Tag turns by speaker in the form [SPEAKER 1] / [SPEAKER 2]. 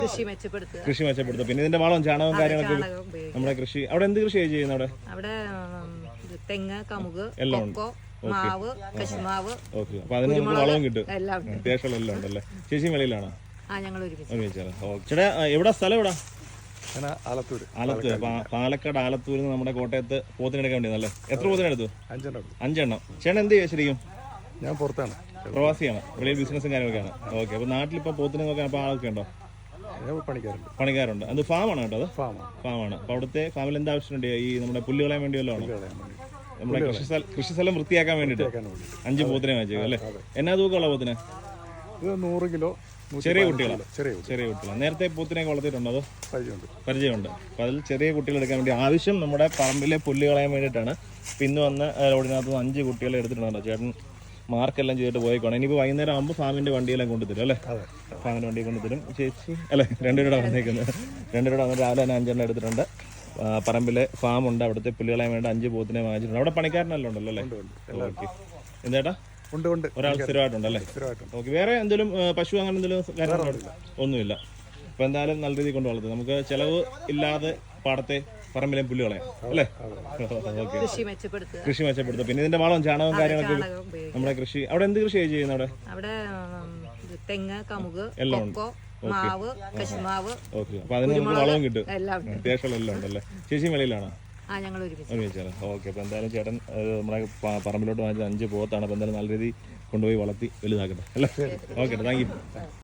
[SPEAKER 1] കൃഷി മെച്ചപ്പെടുത്തുക. പിന്നെ ഇതിന്റെ വളം ചാണകവും കാര്യങ്ങളൊക്കെ നമ്മുടെ കൃഷി. അവിടെ എന്ത് കൃഷിയാണ് ചെയ്യുന്നത്?
[SPEAKER 2] അവിടെ തെങ്ങ്, കമുക്, കൊക്കോ, മാവ്, കശുമാവ്.
[SPEAKER 1] ഓക്കെ, അപ്പൊ അതിന് നമുക്ക് വളവും കിട്ടും. അത്യാവശ്യം എല്ലാം ഉണ്ടല്ലേ. ചേച്ചി വെളിയിലാണോ? ഒരുമിച്ചാണ്. ചേട്ടാ എവിടെ സ്ഥലം? എവിടെ? ആലത്തൂർ. പാലക്കാട് ആലത്തൂരിൽ നിന്ന് നമ്മുടെ കോട്ടയത്ത് പോത്തിനെടുക്കാൻ വേണ്ടിയതല്ലേ? എത്ര പോത്തിനെടുത്തു? 5 ചേട്ടൻ എന്ത് ചെയ്യാ ശരിക്കും?
[SPEAKER 3] ഞാൻ പുറത്താണ്,
[SPEAKER 1] പ്രവാസിയാണ്. വെളിയിൽ ബിസിനസ്സും കാര്യങ്ങളൊക്കെയാണ്. ഓക്കെ, അപ്പൊ നാട്ടിലിപ്പോ പോത്തിനെ നോക്കാൻ അപ്പൊ ആളൊക്കെ ഉണ്ടോ? പണിക്കാരുണ്ട്. അത് ഫാമാണ് കേട്ടോ? അത് ഫാമാണ്. അപ്പൊ അവിടുത്തെ ഫാമിൽ എന്താ ആവശ്യമുണ്ട്? ഈ നമ്മുടെ പുല്ല് കളയാൻ വേണ്ടി വല്ലതും ആണോ? നമ്മുടെ കൃഷിസ്ഥലം വൃത്തിയാക്കാൻ വേണ്ടിട്ട് 5 പോത്തിനെ വാങ്ങിച്ചേക്കും അല്ലേ? എന്നാ തൂക്കമുള്ള പോത്തിനെ?
[SPEAKER 3] 100 കിലോ.
[SPEAKER 1] ചെറിയ കുട്ടികളാണ്. നേരത്തെ പോത്തിനെയൊക്കെ വളർത്തിയിട്ടുണ്ടോ? അതോ പരിചയമുണ്ട്. അപ്പൊ അതിൽ ചെറിയ കുട്ടികൾ എടുക്കാൻ വേണ്ടി ആവശ്യം നമ്മുടെ പറമ്പിലെ പുല്ല് കളയാൻ വേണ്ടിയിട്ടാണ്. ഇന്ന് വന്ന് റോഡിനകത്ത് 5 കുട്ടികളെ എടുത്തിട്ടുണ്ടോ? ചേട്ടൻ മാർക്കെല്ലാം ചെയ്തിട്ട് പോയിക്കോണം. ഇനിയിപ്പോൾ വൈകുന്നേരം ആകുമ്പോൾ ഫാമിന്റെ വണ്ടിയെല്ലാം കൊണ്ടുതരും അല്ലേ? ഫാമിന്റെ വണ്ടി കൊണ്ടുതരും. ചേച്ചി അല്ലേ? 2 രൂപ വന്നേക്കുന്നത്. 2 രൂപ വന്നിട്ട് രാവിലെ തന്നെ 5 എടുത്തിട്ടുണ്ട്. പറമ്പിലെ ഫാമുണ്ട്. അവിടുത്തെ പുല്ല് കളയാൻ വേണ്ടി 5 പോത്തിനെ വാങ്ങിച്ചിട്ടുണ്ട്. അവിടെ പണിക്കാരനെല്ലാം ഉണ്ടല്ലോ അല്ലേ? ഓക്കെ. എന്താ ഒരാൾ സ്ഥിരമായിട്ടുണ്ടല്ലേ? ഓക്കെ. വേറെ എന്തെങ്കിലും പശു അങ്ങനെ എന്തെങ്കിലും കാര്യങ്ങളുണ്ടോ? ഒന്നുമില്ല. അപ്പൊ എന്തായാലും നല്ല രീതിയിൽ കൊണ്ട് വളർത്തും. നമുക്ക് ചെലവ് ഇല്ലാതെ പാടത്തെ പറമ്പിലെ പുല്ല് കളയാം അല്ലേ? ഓക്കെ. കൃഷി മെച്ചപ്പെടുത്തുക. പിന്നെ ഇതിന്റെ വളം ചാണകവും കാര്യങ്ങളൊക്കെ നമ്മുടെ കൃഷി. അവിടെ എന്ത് കൃഷിയാണ് ചെയ്യുന്നത്?
[SPEAKER 2] അവിടെ തെങ്ങ്, കമുക്, കൊക്കോ, മാവ്, കശുമാവ്.
[SPEAKER 1] ഓക്കെ, അപ്പൊ അതിന് നമുക്ക് വളവും കിട്ടും. അത്യാവശ്യം എല്ലാം ഉണ്ടല്ലേ. ചേച്ചി വെളിയിലാണോ? ഒരുമിച്ചാണ്. ഓക്കെ, അപ്പൊ എന്തായാലും ചേട്ടൻ നമ്മുടെ പറമ്പിലോട്ട് വാങ്ങിച്ച 5 പോത്താണ്. അപ്പൊ എന്തായാലും നല്ല രീതിയിൽ കൊണ്ടുപോയി വളർത്തി വലുതാക്കട്ടെ അല്ലേ? Okay, thank U.